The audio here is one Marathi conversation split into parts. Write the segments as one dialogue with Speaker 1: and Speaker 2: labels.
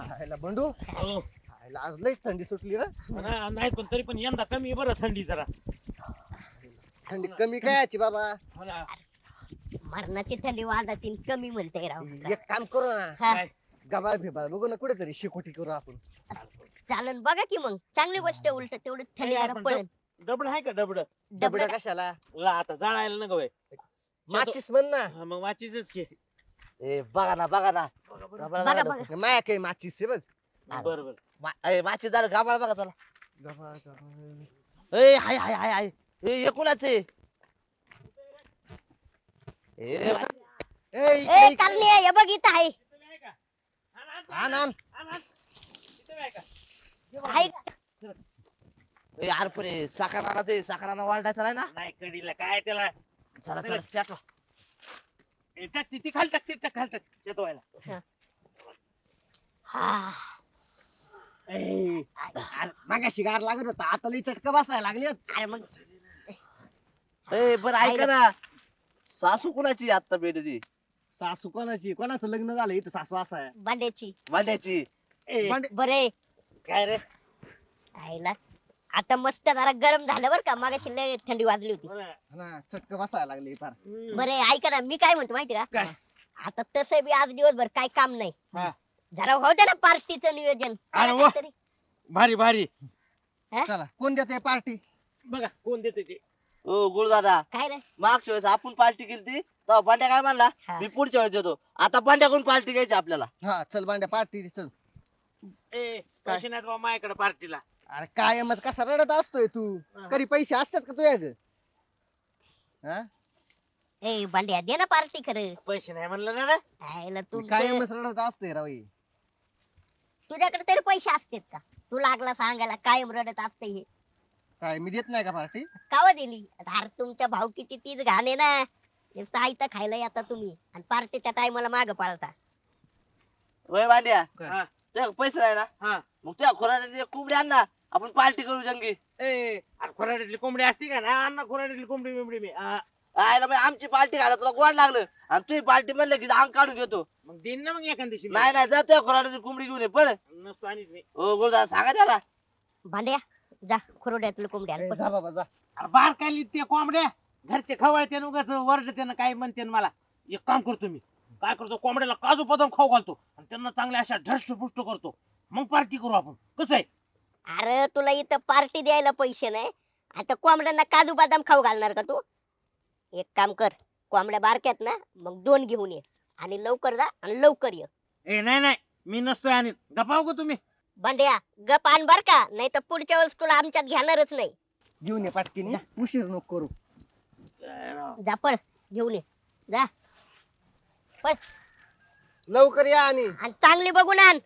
Speaker 1: खायला बंडू
Speaker 2: हो.
Speaker 1: खायला आज लईच थंडी सुटली रे.
Speaker 2: नाही पण तरी पण यंदा कमी आहे बरं थंडी जरा.
Speaker 1: थंडी कमी काय याची बाबा.
Speaker 2: हो ना.
Speaker 3: मरणाची थंडी वाजतील कमी म्हणते राव.
Speaker 1: एक काम करू ना
Speaker 3: हा,
Speaker 2: काय?
Speaker 1: गबाळ फिबाळ बघू ना कुठेतरी शिकोटी करू आपण.
Speaker 3: चालन बघा की मग चांगली गोष्ट आहे, उलट तेवढी थंडी जरा पळेल.
Speaker 2: डबड आहे का डबड?
Speaker 1: डबडा कशाला
Speaker 2: आता जाळायला नका बाई.
Speaker 1: माचीस म्हण ना.
Speaker 2: हा, मग वाचीच की.
Speaker 4: ए बघा ना
Speaker 3: बघा
Speaker 4: गाबाळ
Speaker 3: बघा.
Speaker 1: माया काय माचीस आहे बघ.
Speaker 2: बरोबर.
Speaker 4: माची दार गाबाळ बघा त्याला.
Speaker 1: गबाळ गबाळ.
Speaker 4: ए हाय हाय हाय हाय ए एकूणच आहे. ए
Speaker 1: ए
Speaker 3: ए करणे हे बघ इथं आहे.
Speaker 1: आण आण.
Speaker 3: आहे
Speaker 4: ए यार पण साखराना ते साखराना वाढायचा नाही ना.
Speaker 2: नाही कडीला काय त्याला.
Speaker 4: चला चला पेटवा.
Speaker 2: टाक ती खाली टाक ती खाली टाक शेतवायला.
Speaker 3: हा.
Speaker 1: ए, अरे, मागाशी गार लागत होता आता लई चटका बसायला लागली.
Speaker 3: अरे मग
Speaker 4: ए बरं ऐका ना सासू कुणाची आता भेटती
Speaker 1: सासू कोणाची कोणाचं लग्न झालं इथं सासू असा आहे.
Speaker 3: बांड्याची
Speaker 4: मांड्याची.
Speaker 2: ए,
Speaker 1: भांडे-
Speaker 3: बरे
Speaker 2: काय रे?
Speaker 3: आईला आता मस्त जरा गरम झालं बर का, मागाशी लय थंडी वाजली होती.
Speaker 2: हो ना.
Speaker 1: ना चटका बसायला लागली फार.
Speaker 3: बरे ऐका ना, मी काय म्हणतो माहिती का,
Speaker 2: काय?
Speaker 3: आता तसं बी आज दिवसभर काय काम नाही,
Speaker 2: हा.
Speaker 3: जरा होतं ना पार्टीचं नियोजन.
Speaker 2: अरे
Speaker 3: करा
Speaker 2: वा.
Speaker 3: काहीतरी.
Speaker 2: भारी भारी.
Speaker 1: चला कोण देते पार्टी.
Speaker 2: बघा कोण देते ते.
Speaker 4: ओ गुरुदादा
Speaker 3: काय रे
Speaker 4: मागच्या वेळेस आपण पार्टी केली ती तेव्हा पांड्या काय म्हणला
Speaker 3: हा.
Speaker 4: मी पुढच्या वेळेस देतो. आता पांड्याकडून पार्टी घ्यायची आपल्याला.
Speaker 1: हा चल बांड्या पार्टी चल.
Speaker 2: ए पैसे नाहीत बा माझ्याकडे पार्टीला.
Speaker 1: अरे कायमच कसा रडत असतोय तू.
Speaker 2: हा.
Speaker 1: कधी पैसे असतात का तुझ्या ग. हा
Speaker 3: ए बांड्या दे ना पार्टी खरं.
Speaker 2: पैसे नाही म्हणलं ना रे.
Speaker 3: आईला तू
Speaker 1: कायमच रडत असते राव ही.
Speaker 3: तुझ्याकडे तरी पैसे असतात का, तू लागला सांगायला कायम रडत असते हे.
Speaker 1: काय मी देत नाही का पार्टी.
Speaker 3: कावा दिली अरे, तुमच्या भावकीची तीच घाण आहे ना. हे साहित्य खायला येता तुम्ही आणि पार्टीच्या टायमाला माग पाळता.
Speaker 4: वय पांड्या
Speaker 1: काय?
Speaker 2: हा,
Speaker 4: तुझ्या पैसे नाही ना
Speaker 2: हा.
Speaker 4: मग तुझ्या खोराच्या कोंबडी आण ना आपण पार्टी करू जंगी.
Speaker 2: ए अरे खोराडीतली कोंबडी असती का ना अण्णा खोराडीतली कोंबडी बिंबडी मी
Speaker 4: आयला बाई आमची पार्टी घाला तुला गोड लागलं आणि तुझी पार्टी म्हणलं की अंग काढून घेतो.
Speaker 2: मग देईन ना मग एखाद दिवशी मी.
Speaker 4: नाही नाही जा तुझ्या खोराची कोंबडी घेऊन ये पळ.
Speaker 2: नसतो आणीत मी.
Speaker 4: ओ गुरुदादा सांगा त्याला.
Speaker 3: भांड्या जा खुरोड्यातलं कोंबड्या
Speaker 1: ए, जा बाबा जा.
Speaker 2: अरे बार काय ते कोंबड्या घरचे खवळते उगाच वरडते ना काय म्हणते मला. एक काम करतो मी काय करतो कोंबड्याला काजू बदाम खाऊ घालतो आणि त्यांना चांगल्या अशा ढष्ट पुष्ट करतो मग पार्टी करू आपण. कसं आहे?
Speaker 3: अरे तुला इथं पार्टी द्यायला पैसे नाही, आता कोंबड्यांना काजू बदाम खाऊ घालणार का तू. एक काम कर, कोंबड्या बारक्यात ना मग 2 घेऊन ये आणि लवकर जा आणि लवकर ये.
Speaker 2: ए नाही नाही मी नसतोय आणीत. गपाव का तुम्ही.
Speaker 3: भांड्या गप आण बर का, नाही तर पुढच्या वेळेस तुला आमच्यात घेणारच नाही.
Speaker 1: घेऊन ये पाटकीने उशीर नको करू.
Speaker 3: जा पळ घेऊन ये जा पळ
Speaker 1: लवकर या आणि
Speaker 3: आणि चांगली बघून आण.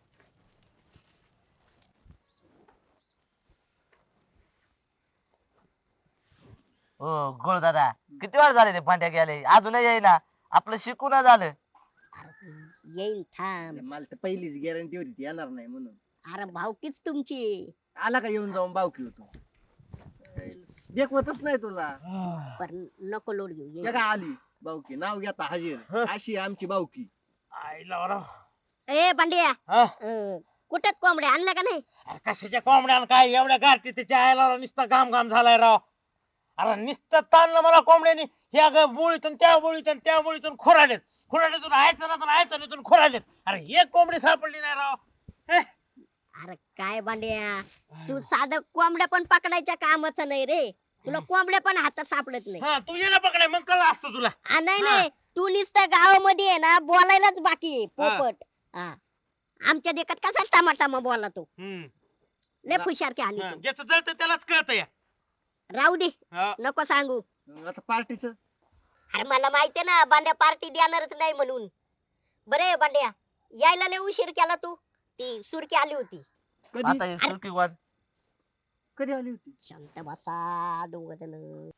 Speaker 4: हो गुरुदादा किती वेळ झाले ते पांड्या गेले अजूनही येईना. आपलं शिकून झालं.
Speaker 3: येईन थांब.
Speaker 1: मला तर पहिलीच गॅरंटी होती ती येणार नाही म्हणून.
Speaker 3: अरे भावकीच तुमची,
Speaker 1: आला का येऊन जाऊन बावकी होतो. देखवतच नाही तुला.
Speaker 3: पण नको लोड घेऊ
Speaker 1: हे
Speaker 3: येईन.
Speaker 1: का आली बावकी नाव घेता हजीर अशी आहे आमची बावकी.
Speaker 2: आईला राव.
Speaker 3: ए भांड्या
Speaker 2: हा?
Speaker 3: कुठं कोंबड्या आणल्या का नाही.
Speaker 2: अरे कशाच्या कोंबड्या काय एवढ्या गारठी त्याच्या आयला नुसता घाम घाम झालाय राव. अरे नुसतं ताणलं मला कोंबड्यानी. ह्या बोळीतून त्या बोळीतून त्या बोळीतून खोराडेत खोराड्यातून आयचं ना आयचं खोराडेत. अरे एक कोंबडी सापडली नाही राव. हे?
Speaker 3: अरे काय भांड्या, तू साधं कोंबड्या पण पकडायच्या कामाचं नाही रे, तुला कोंबड्या पण हातात सापडत नाही.
Speaker 2: हा तू ये ना पकडाय मग कळलं असतं तुला.
Speaker 3: नाही
Speaker 2: हा.
Speaker 3: नाही, तू नुसतं गावामध्ये आहे ना बोलायलाच बाकी आहे, पोपट. हा. आमच्या देखत कसा टमाटामा बोला तो, लय हुशार की आणि तू.
Speaker 2: ज्याचं जळतं त्यालाच कळतं या.
Speaker 3: राहू दे
Speaker 2: हा.
Speaker 3: नको सांगू.
Speaker 1: आता पार्टीच
Speaker 3: अरे मला माहितीये ना बांड्या पार्टी देणारच नाही म्हणून. बरे बांड्या यायला लय उशीर केला तू, ती सुरकी आली होती.
Speaker 1: कधी
Speaker 4: आता हे सुरकी वाद.
Speaker 1: कधी आली होती.
Speaker 3: शांत बसा दोघ जण.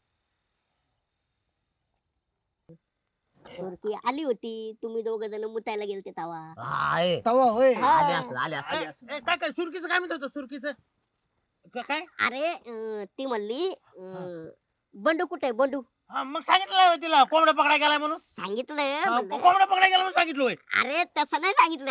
Speaker 3: सुरकी आली होती, तुम्ही दोघ जण मुतायला गेलते तवा.
Speaker 4: हाय.
Speaker 1: तवा होय.
Speaker 3: हा.
Speaker 4: आले असं आले असं.
Speaker 1: आली असं.
Speaker 2: काय काय सुरकीचं काय म्हणत होतं सुरकीचं काय.
Speaker 3: अरे ती म्हणली बंडू कुठे बंडू.
Speaker 2: हा मग सांगितलं होय तिला कोंबड्या पकडाय गेलाय म्हणून.
Speaker 3: सांगितलं
Speaker 2: हा,
Speaker 3: म्हणलं.
Speaker 2: कोंबड्या पकडाय गेला म्हणून सांगितलं होय.
Speaker 3: अरे तसं नाही सांगितलं. अरे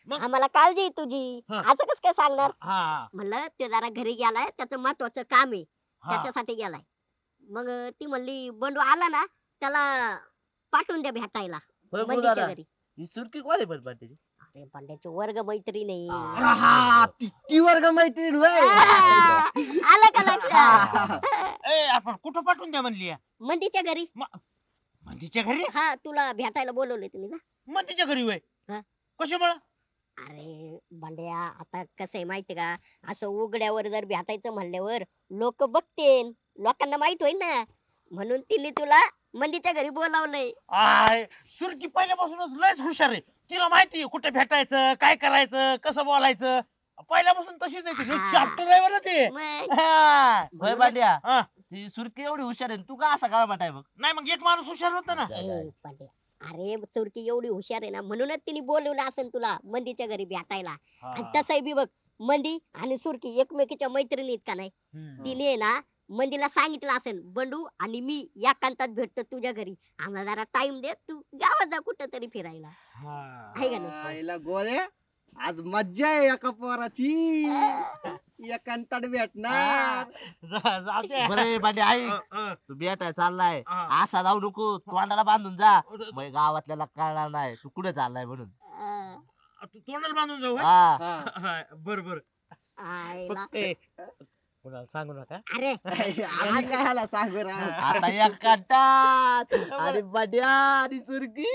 Speaker 2: मग?
Speaker 3: आम्हाला काळजी आहे तुझी.
Speaker 2: हा.
Speaker 3: असं कस काय सांगणार?
Speaker 2: हा
Speaker 3: म्हणलं ते जरा घरी गेलाय, त्याचं महत्वाचं काम आहे,
Speaker 2: हा
Speaker 3: त्याच्यासाठी गेलाय. मग ती म्हणली बंडू आला ना त्याला पाठवून द्या भेटायला
Speaker 4: होय
Speaker 3: मंदीच्या
Speaker 4: गुरुदादा
Speaker 3: घरी.
Speaker 4: ही सुरकी कोण आहे पण बंड्याची
Speaker 3: अरे बंड्याची वर्ग मैत्रीण आहे.
Speaker 1: अरे हा ती वर्ग मैत्रीण होय.
Speaker 3: आ, आलं का लक्षात?
Speaker 2: ए आपण कुठं पाठवून द्या म्हणली या?
Speaker 3: मंदीच्या घरी.
Speaker 2: मंदीच्या घरी?
Speaker 3: हा तुला भेटायला बोलवले तुम्ही ना.
Speaker 2: मंदीच्या घरी वय
Speaker 3: हा.
Speaker 2: कशामुळं?
Speaker 3: अरे बंड्या आता कसं आहे माहिती का, असं उघड्यावर जर भेटायचं म्हणल्यावर लोक बघतील, लोकांना माहित होईल ना, म्हणून तिने तुला मंदीच्या घरी बोलावलंय.
Speaker 2: आय सुरकी पहिल्यापासूनच लयच हुशार आहे. तिला माहिती आहे कुठे भेटायचं, काय करायचं, कसं बोलायचं. पहिल्यापासून तशीच आहे ती.
Speaker 3: हा.
Speaker 2: चॅप्टर आहे बरं ते.
Speaker 3: मग
Speaker 2: हा.
Speaker 4: होय बांड्या
Speaker 2: हा.
Speaker 4: ही सुरकी एवढी हुशार आहे तू का असा काळा माटाय बघ
Speaker 2: नाही मग एक माणूस हुशार होता ना.
Speaker 3: ए, बंड्या, अरे तुर्की एवढी हुशार आहे ना, म्हणूनच तिने बोलवलं असेल तुला मंदीच्या घरी भेटायला. आणि
Speaker 2: हा.
Speaker 3: तसंही बी बघ, मंदी आणि सुरकी एकमेकीच्या मैत्रिणीत का नाही.
Speaker 2: हम्म.
Speaker 3: तिने आहे ना मंदीला सांगितलं असेल बंडू आणि मी एकांतात भेटतो तुझ्या घरी, आम्हाला जरा टाइम दे, तू गावात जा कुठं तरी फिरायला.
Speaker 2: हा.
Speaker 3: आहे का नाही?
Speaker 1: आईला गोळ्या आज मज्जा आहे एका पोराची. एकांतात भेटणार.
Speaker 2: जाऊ दे.
Speaker 4: बरे बांड्या ऐक तू भेटाय चाललाय
Speaker 2: हा.
Speaker 4: असा जाऊ नको तोंडाला बांधून जा मग गावातल्याला कळणार नाही तू कुठे चाललाय म्हणून
Speaker 3: अं,
Speaker 2: तू तोंडाला बांधून जाऊ होय?
Speaker 4: हा
Speaker 1: हा.
Speaker 2: बर बर.
Speaker 3: आईला.
Speaker 2: कुणाला सांगू नका.
Speaker 3: अरे
Speaker 1: आम्ही काय ह्याला सांगू राव.
Speaker 4: आता एक काटात आणि बांड्या आणि सुरकी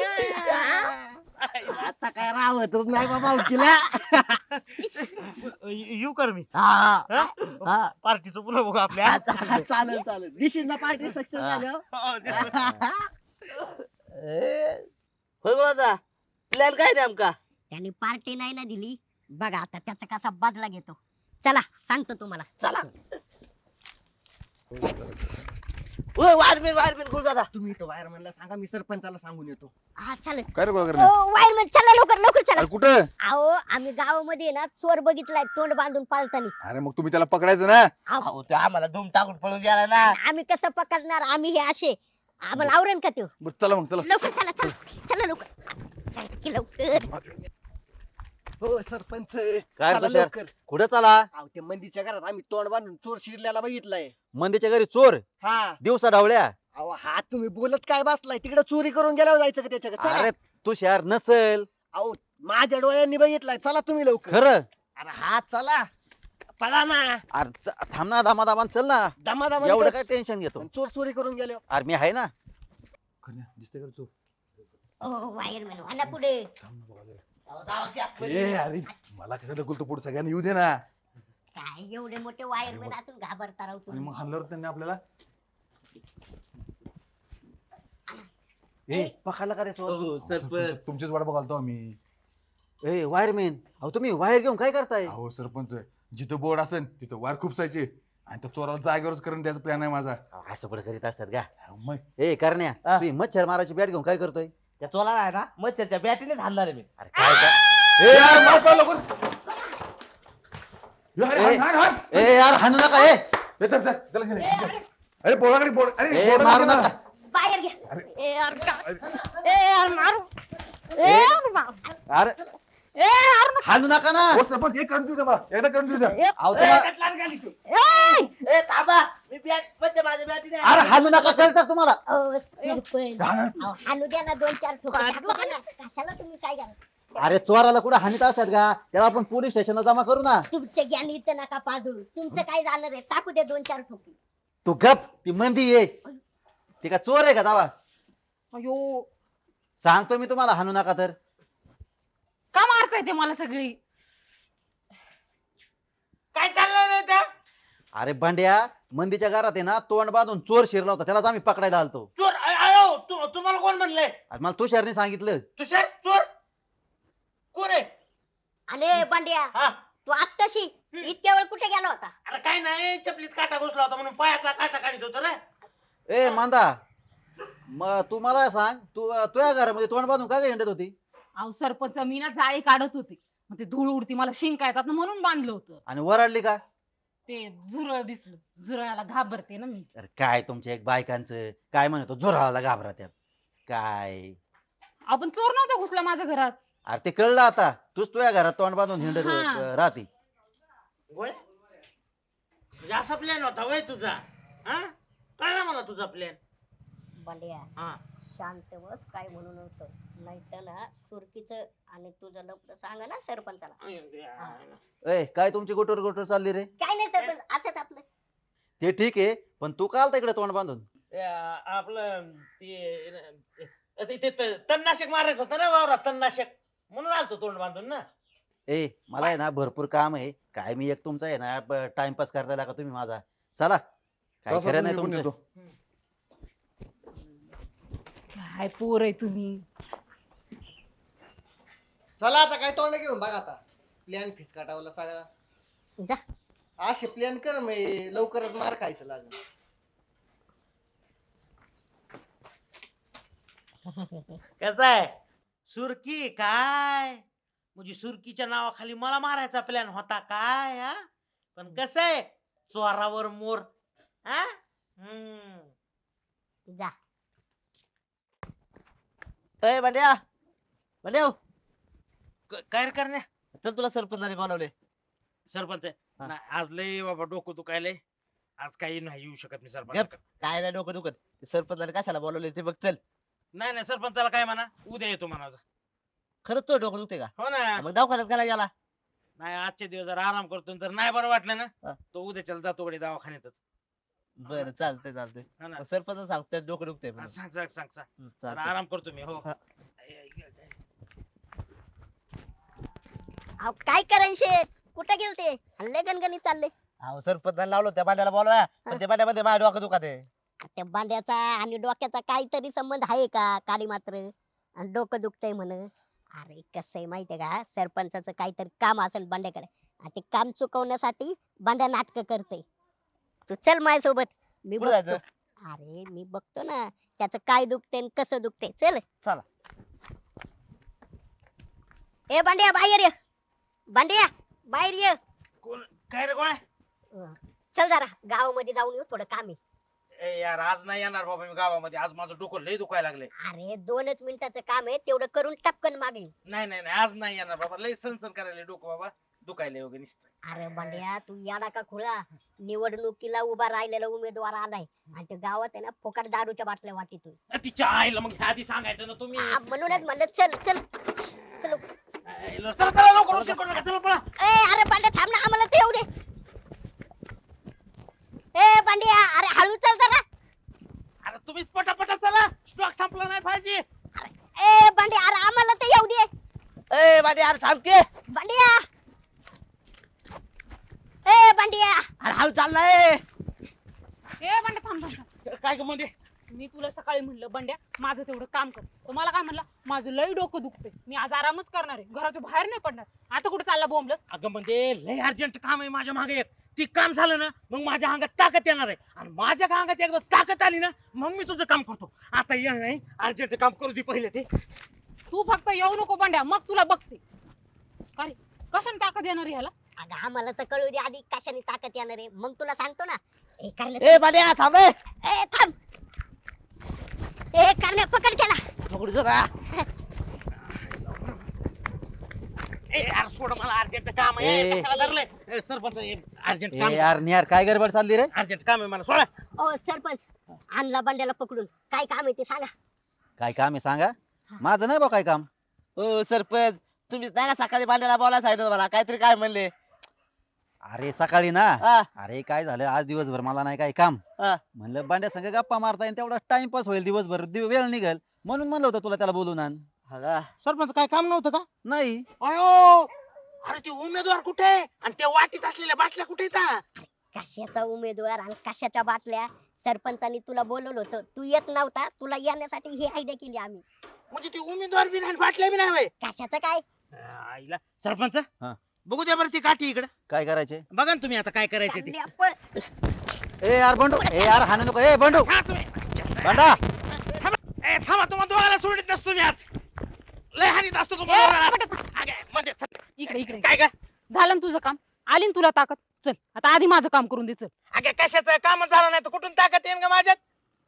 Speaker 1: आता काय राहतच नाही बाबा उकीला.
Speaker 2: येऊ कर मी.
Speaker 4: हा
Speaker 2: हा?
Speaker 4: हा.
Speaker 2: पार्टीचं पुन्हा बघू आपल्या.
Speaker 1: चालेल चालेल दिस इज पार्टी सक्सेस झालं.
Speaker 2: हो, दे.
Speaker 4: होय बोला प्लॅन काय नेमका
Speaker 3: त्याने पार्टी नाही ना दिली, बघा आता त्याचा कसा बदला घेतो. चला सांगतो तुम्हाला.
Speaker 4: चला ओय वायरमॅन गुरुदादा
Speaker 1: तुम्ही तो वायरमॅनला सांगा मी सरपंचाला सांगून येतो.
Speaker 3: हा चालेल.
Speaker 5: काय रे गोगर
Speaker 3: वायरमॅन चला लवकर लवकर चला.
Speaker 5: अरे कुठं
Speaker 3: अहो आम्ही गावामध्ये ना चोर बघितलाय तोंड बांधून पाळताना.
Speaker 5: अरे मग तुम्ही त्याला पकडायचं ना.
Speaker 4: अहो तो आम्हाला धूम टाकून पळून गेला ना
Speaker 3: आम्ही कसं पकडणार, आम्ही हे असे, आम्हाला आवरण का त्यो.
Speaker 5: बरं, चला मग चला
Speaker 3: लवकर चला चला चला लवकर चला की लवकर.
Speaker 1: हो सरपंच
Speaker 6: काय
Speaker 1: चला
Speaker 6: तुषार?
Speaker 1: लवकर.
Speaker 6: कुठं चला
Speaker 1: अहो ते मंदीच्या घरात आम्ही तोंड बांधून चोर शिरल्याला बघितलंय.
Speaker 6: मंदीच्या घरी चोर
Speaker 1: हा
Speaker 6: दिवसा ढवळ्या
Speaker 1: अहो हा तुम्ही बोलत काय बसलाय, तिकडे चोरी करून गेल्यावर जायचं का त्याच्याकडे. चला.
Speaker 6: अरे तुषार नसेल
Speaker 1: अहो माझ्या डोळ्यांनी बघितलाय, चला तुम्ही लवकर.
Speaker 6: खरं
Speaker 1: अरे हा चला पळा ना.
Speaker 6: अरे थांब ना दामा चल ना
Speaker 1: दमा दमा
Speaker 6: एवढं काय टेन्शन घेतो
Speaker 1: चोर चोरी करून गेले.
Speaker 6: अरे मी आहे ना
Speaker 5: दिसते का चोर?
Speaker 3: ओ वायरमॅन वाला पुढे.
Speaker 5: ए अरे मला कशाला बोलतो पुढे सगळ्यांना येऊ दे ना.
Speaker 3: काय एवढे मोठे वायरमॅन असून घाबरता राव
Speaker 5: आणि
Speaker 3: तुम्ही.
Speaker 5: मग हाणल्यावर त्यांनी आपल्याला ए
Speaker 6: पकडला का रे चोर
Speaker 5: सरपंच, तुमचीच वाट बघालतो आम्ही.
Speaker 6: ए वायरमॅन अहो तुम्ही वायर घेऊन काय करताय
Speaker 5: अहो सरपंच जिथं बोर्ड असेल तिथं वायर खुपसायचे आणि त्या चोराला जागेवरच करून द्यायचा प्लॅन आहे माझा.
Speaker 6: असं पण करीत असतात का
Speaker 5: मग
Speaker 6: ए करण्या
Speaker 4: हा.
Speaker 6: तुम्ही मच्छर मारायची बॅट घेऊन काय करतोय
Speaker 4: त्या चोराला आहे ना मच्छरच्या बॅटीने हाणणार आहे मी
Speaker 6: अरे काय का
Speaker 5: ए यार मार पळा लवकर. अरे, हाण, हाण, हाण.
Speaker 6: ए यार हाणू नका ए
Speaker 5: ए, चल, चल, चला घरी. अरे बोर्डाकडे बोर्ड अरे
Speaker 6: ए
Speaker 5: बोर्डाकडे
Speaker 6: मारू
Speaker 5: ना.
Speaker 6: नका
Speaker 3: बाहेर घ्या.
Speaker 5: अरे.
Speaker 3: ए यार ए यार मारू. ए यार मारू.
Speaker 6: अरे
Speaker 3: ए यार
Speaker 6: हाणू नका ना
Speaker 5: हो सरपंच एक करून देऊ द्या मला एकदा करून देऊ द्या.
Speaker 6: अहो तुम्हाला
Speaker 3: ए
Speaker 4: ए थांबा मी बॅट माझ्या बॅटीने
Speaker 6: अरे हाणू नका कळतात तुम्हाला
Speaker 3: ओ सरपंच
Speaker 5: हाण, हाण.
Speaker 3: अहो, हाणू द्या ना 2-4 ठोके टाकू द्या ना. कशाला तुम्ही काय करा.
Speaker 6: अरे चोराला कुठे हानीत असतात का त्याला आपण पोलीस स्टेशनला जमा करू ना
Speaker 3: तुमचं ज्ञान इथं नका पाजू. तुमचं काय जाणार आहे, टाकू द्या 2-4 ठोके.
Speaker 6: तू गप ती मंदी ये ती का चोर आहे का दावा
Speaker 7: अयो
Speaker 6: सांगतो मी तुम्हाला हाणू नका तर
Speaker 7: का मारताय ते मला सगळी.
Speaker 2: काय चाललंय रे त्या?
Speaker 6: अरे भांड्या मंदीच्या घरात आहे ना तोंड बांधून चोर शिरला होता त्यालाच आम्ही पकडायला आलतो
Speaker 2: चोर आयो तुम्हाला कोण म्हणलंय?
Speaker 6: अरे मला तुषारने सांगितलं
Speaker 2: तुषार चोर कोण आहे?
Speaker 3: आणि बंड्या
Speaker 2: हा
Speaker 3: तू आत्ताशी इतक्या वेळ कुठे गेला होता?
Speaker 2: अरे काय नाही चपलीत काटा घुसला होता म्हणून पायातला काटा काढित होतो रे.
Speaker 6: ए मांदा मग तू मला सांग तू तुझ्या घरामध्ये तोंड बांधून का हिंडत होती
Speaker 7: अहो सरपंच मी ना जाळी काढत होते, मग ते धूळ उडती मला शिंका येतात ना म्हणून बांधलं होतं.
Speaker 6: आणि वराडली का
Speaker 7: ते झुरळ दिसलं, झुरळाला घाबरते ना मी.
Speaker 6: अरे काय तुमच्या एक बायकांचं काय म्हणतो जोराला घाबरा त्यात काय
Speaker 7: आपण चोर नव्हता घुसला माझ्या घरात.
Speaker 6: अरे ते कळलं आता, तूच तुझ्या घरात तोंड बांधून हिंडत
Speaker 7: हा.
Speaker 6: राहते.
Speaker 2: गोळ्या म्हणजे असा प्लॅन होता वय तुझा? हा कळला मला तुझा प्लॅन.
Speaker 3: बंड्या
Speaker 2: हा
Speaker 3: शांत बस, काय म्हणू नव्हतं, नाही तर ना सुरकीचं आणि तुझं लपड सांगा ना सरपंचाला.
Speaker 6: ए काय तुमची गोटोर गोटोर चालली रे?
Speaker 3: काय नाही सरपंच, असंच आपलं.
Speaker 6: ते ठीक आहे, पण तू का आलता इकडे तोंड बांधून?
Speaker 2: आपलं ते तणनाशक मारायचं होतं ना वावरात, तणनाशक, म्हणून आलतो तोंड बांधून ना.
Speaker 6: ए मला आहे ना भरपूर काम आहे, काय मी एक तुमचा आहे ना टाइमपास करताय का तुम्ही माझा? चला काय
Speaker 5: तसं
Speaker 6: खरं नाही
Speaker 5: तुम्ही पण
Speaker 6: तुमचं.
Speaker 5: येतो.
Speaker 7: काय पोर आहे तुम्ही.
Speaker 1: चला आता काय तोंड घेऊन बघा आता, प्लॅन फिसकाटावला सगळा.
Speaker 3: जा.
Speaker 1: असे प्लॅन कर मी लवकरच मार खायचं लागेल.
Speaker 2: कसं आहे सुरकी काय म्हणजे सुरकीच्या नावाखाली मला मारायचा प्लॅन होता काय? हा पण कसं आहे चोरावर मोर. हा
Speaker 3: जा.
Speaker 4: ए बंड्या बंड्या
Speaker 2: काय रे करण्या?
Speaker 4: चल तुला सरपंचाने बोलावले.
Speaker 2: सरपंच
Speaker 4: हा.
Speaker 2: नाही, आज लय बाबा डोकं दुखायलंय, आज काही नाही येऊ शकत मी
Speaker 4: गप.
Speaker 2: सरपंच.
Speaker 4: काय नाही डोकं दुखत, ते सरपंचाने कशाला बोलावले ते बघ. चल.
Speaker 2: नाही नाही सरपंचाला काय म्हणा, उद्या येतो म्हणावं.
Speaker 4: खरंच तो डोकं दुखते का?
Speaker 2: हो ना.
Speaker 4: मग दवाखान्यात काय गेला?
Speaker 2: नाही आजचे दिवस जरा आराम करतो, जर नाही बरं वाटलं ना
Speaker 4: हा.
Speaker 2: तो उद्याच्याला जातो कडे दवाखान्यातच.
Speaker 4: बरं चालतंय चालतंय.
Speaker 2: हा ना.
Speaker 4: मग सरपंच सांगतोय डोकं दुखतंय म्हणून.
Speaker 2: सांग सांग सांग सांग. जरा
Speaker 4: चालतंय.
Speaker 2: आराम करतो मी. हो
Speaker 4: हा.
Speaker 3: अहो काय करायचे शेठ, कुठे गेलते? हल्ले गणगणित चालले.
Speaker 4: अहो सरपंचाने लावलं त्या बांड्याला बोलवा, पण त्या बांड्यामध्ये माझ्या डोकं दुखत आहे.
Speaker 3: त्या बांड्याचा आणि डोक्याचा काहीतरी संबंध आहे का? काडी मात्र आणि डोकं दुखतंय म्हण. अरे कसं आहे माहितीये का, सरपंचाचं काहीतरी काम असेल बांड्याकडे, आणि ते काम चुकवण्यासाठी बांड्या नाटक करते. तू चल माझ्यासोबत, मी
Speaker 4: कुठं
Speaker 3: बघतो.
Speaker 4: जायचं?
Speaker 3: अरे मी बघतो ना त्याचं काय दुखतंय आणि कसं दुखतंय. चल.
Speaker 4: चला.
Speaker 3: ए बांड्या बाहेर ये, बांड्या बाहेर ये.
Speaker 2: कोण काय रे गोळ्या?
Speaker 3: चल जरा गावामध्ये जाऊन येऊ, थोडं काम आहे.
Speaker 2: ए यार आज नाही येणार बाबा मी गावामध्ये, आज माझं डोकं लय दुखायला लागले.
Speaker 3: अरे 2च मिनिटाचं काम आहे, तेवढं करून टपकन मागे.
Speaker 2: नाही नाही नाही आज नाही येणार बाबा, लय सनसन करायला डोकं बाबा, दुखायला वगैरे नुसतं.
Speaker 3: अरे बंड्या तू याडा का खुळा, निवडणुकीला उभा राहिलेला उमेदवार आलाय आणि ते गावात आहे ना फुकट दारूच्या बाटल्या वाटीतोय.
Speaker 2: तिच्या आईला मग ह्या आधी सांगायचं ना तुम्ही.
Speaker 3: म्हणूनच म्हणलं चल चल चल.
Speaker 2: चला चला लवकर उशीर करू नका, चला पळा.
Speaker 3: ए अरे बंड्या थांब ना, आम्हाला ते येऊ दे. ए बंड्या अरे हळू चल जरा.
Speaker 2: अरे तुम्हीच पटापटा चला, स्टॉक संपला नाही पाहिजे.
Speaker 3: ए बंड्या अरे आम्हाला ते येऊ दे.
Speaker 4: ए बांड्या अरे थांब की.
Speaker 3: बंड्या ए बंड्या
Speaker 4: अरे हळू चाललाय.
Speaker 7: ए बंड्या थांब थांब थांब.
Speaker 2: काय ग मध्ये?
Speaker 7: मी तुला सकाळी म्हणलं बंड्या माझं तेवढं काम कर, तर मला काय म्हणला, माझं लय डोकं दुखतंय, मी आज आरामच करणार आहे, घराच्या बाहेर नाही पडणार. आता कुठे चालला बोंबलत?
Speaker 2: अगं म्हणजे लय अर्जंट काम आहे माझ्या मागे एक, ती काम झालं ना मग माझ्या अंगात ताकद येणार आहे, आणि माझ्या अंगात एकदा ताकद आली ना मग मी तुझं काम करतो. आता ये नाही, अर्जंट काम करू दे पहिले ते.
Speaker 7: तू फक्त येऊ नको बंड्या, मग तुला बघते. काय कशाने ताकद येणार ह्याला?
Speaker 3: अगं आम्हाला तर कळू दे आधी कशाने ताकद येणार आहे, मग तुला सांगतो ना. ए करण्या
Speaker 4: ए बांड्या थांब.
Speaker 3: ए थांब. ए करण्या पकड त्याला.
Speaker 4: पकडू जरा.
Speaker 2: ए यार सोड, मला अर्जंट काम आहे.
Speaker 6: ए.
Speaker 2: कशाला धरलंय? ए, सरपंच अर्जंट
Speaker 6: ए
Speaker 2: काम,
Speaker 6: यार निहार काय गडबड चालली रे?
Speaker 2: अर्जंट काम आहे मला, सोडा.
Speaker 3: ओ सरपंच, आणला बंड्याला पकडून, काय काम आहे ते सांगा.
Speaker 6: काय काम आहे सांगा? माझं नाही बा काय काम.
Speaker 4: ओ सरपंच तुम्ही नाही का सकाळी बांड्याला बोलायला सांगितलं मला, काहीतरी काय म्हणले?
Speaker 6: अरे सकाळी ना,
Speaker 4: हा
Speaker 6: अरे काय झालं आज दिवसभर मला नाही काय काम.
Speaker 4: हा.
Speaker 6: म्हणलं बांड्या संग गप्पा मारता येईल, तेवढा टाइमपास होईल, दिवसभर वेळ निघेल म्हणून म्हणलं होतं तुला त्याला बोलून आण.
Speaker 4: हा का?
Speaker 2: सरपंच काय काम नव्हतं का?
Speaker 6: नाही.
Speaker 2: अयो अरे ते उमेदवार कुठे आहे? आणि त्या वाटीत असलेल्या बाटल्या कुठे येतात?
Speaker 3: कशाचा उमेदवार आणि कशाच्या बाटल्या? सरपंचानी तुला बोलवलं होतं, तू येत नव्हता, तुला येण्यासाठी ही आयडिया केली आम्ही.
Speaker 2: म्हणजे ते उमेदवार बी नाही, बाटल्या बी नाही होय?
Speaker 3: कशाचं काय?
Speaker 2: आईला सरपंच
Speaker 6: हा.
Speaker 2: बघू द्या बरं ती काठी इकडे.
Speaker 6: काय करायचे?
Speaker 2: बघा ना तुम्ही आता काय करायचं ते.
Speaker 3: चालले आपण.
Speaker 6: ए यार बंडू, ए यार हाणू नको. ए बंडू,
Speaker 2: हा, तुम्ही
Speaker 6: बंडा.
Speaker 2: ए थांबा, तुम्हाला दोघांना सोडित नसतो मी आज, लय हानीत असतो
Speaker 7: ए,
Speaker 2: तुम्हाला.
Speaker 7: बंड्या,
Speaker 2: अगे, मध्ये सर-
Speaker 7: इकडे इकडे.
Speaker 2: काय का?
Speaker 7: झालं ना तुझं काम, आली ना तुला ताकद. चल आता आधी माझं काम करून दे. चल
Speaker 2: अगे कशाचं काम झालं नाही तर कुठून ताकद येईन का माझ्यात?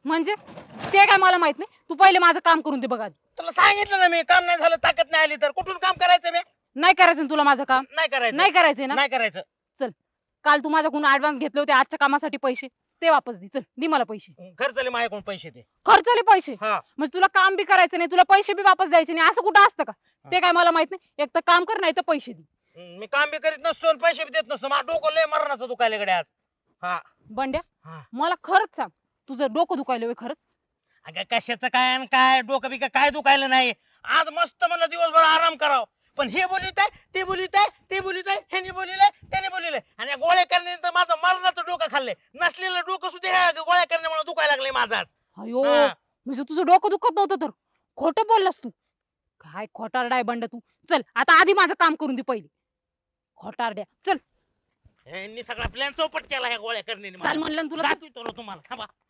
Speaker 7: म्हणजे ते काय मला माहित नाही, तू पहिले माझं काम करून दे बघा.
Speaker 2: तुला सांगितलं ना मी, काम नाही झालं ताकद नाही आली तर कुठून काम करायचं मी?
Speaker 7: नाही करायचं ना तुला माझं काम?
Speaker 2: नाही करायचं.
Speaker 7: नाही करायचंय ना?
Speaker 2: नाही करायचं.
Speaker 7: काल तू माझ्याकडून ऍडव्हान्स घेतले होते आजच्या कामासाठी पैसे, ते वापस दे. चल दे मला पैसे.
Speaker 2: खर्चले माझ्याकडून पैसे दे.
Speaker 7: खर्चले पैसे?
Speaker 2: हा.
Speaker 7: म्हणजे तुला काम बी करायचं नाही, तुला पैसे बी वापस द्यायचे नाही, असं कुठं असतं का? ते काय मला माहित नाही. एक तर काम कर, नाही तर पैसे दे.
Speaker 2: मी काम बी करीत नसतो आणि पैसे बी देत नसतो. माझं डोकं लय मरणाचं दुखायला गड्या आज. हा.
Speaker 7: बंड्या,
Speaker 2: हा.
Speaker 7: मला खरंच सांग, तुझं डोकं दुखायलं होय खरंच?
Speaker 2: अगं कशाचं काय आणि काय डोकं बी काय दुखायला नाही. आज मस्त मला दिवसभर आराम करावं, पण हे बोलित आहे, ते बोलित आहे, ते बोलित आहे, ह्याने बोलिलंय, त्याने बोलिलंय, आणि या गोळ्या करण्यानंतर माझं मरणाचं डोकं खाल्लंय. नसलेलं डोकं सुद्धा ह्या गोळ्या करण्यामुळे दुखायला लागलंय माझं आज.
Speaker 7: अयो,
Speaker 2: हा.
Speaker 7: म्हणजे तुझं डोकं दुखत नव्हतं तर खोटं बोललास तू? काय खोटारडा आहे बंड तू. चल आता आधी माझं काम करून दे पहिले. खोटारड्या, चल.
Speaker 2: ह्यांनी सगळा प्लॅन चौपट केला ह्या गोळ्या करण्याने
Speaker 7: चाल म्हणलं ना तुला.
Speaker 2: दाखवतो ना तुम्हाला, थांबा.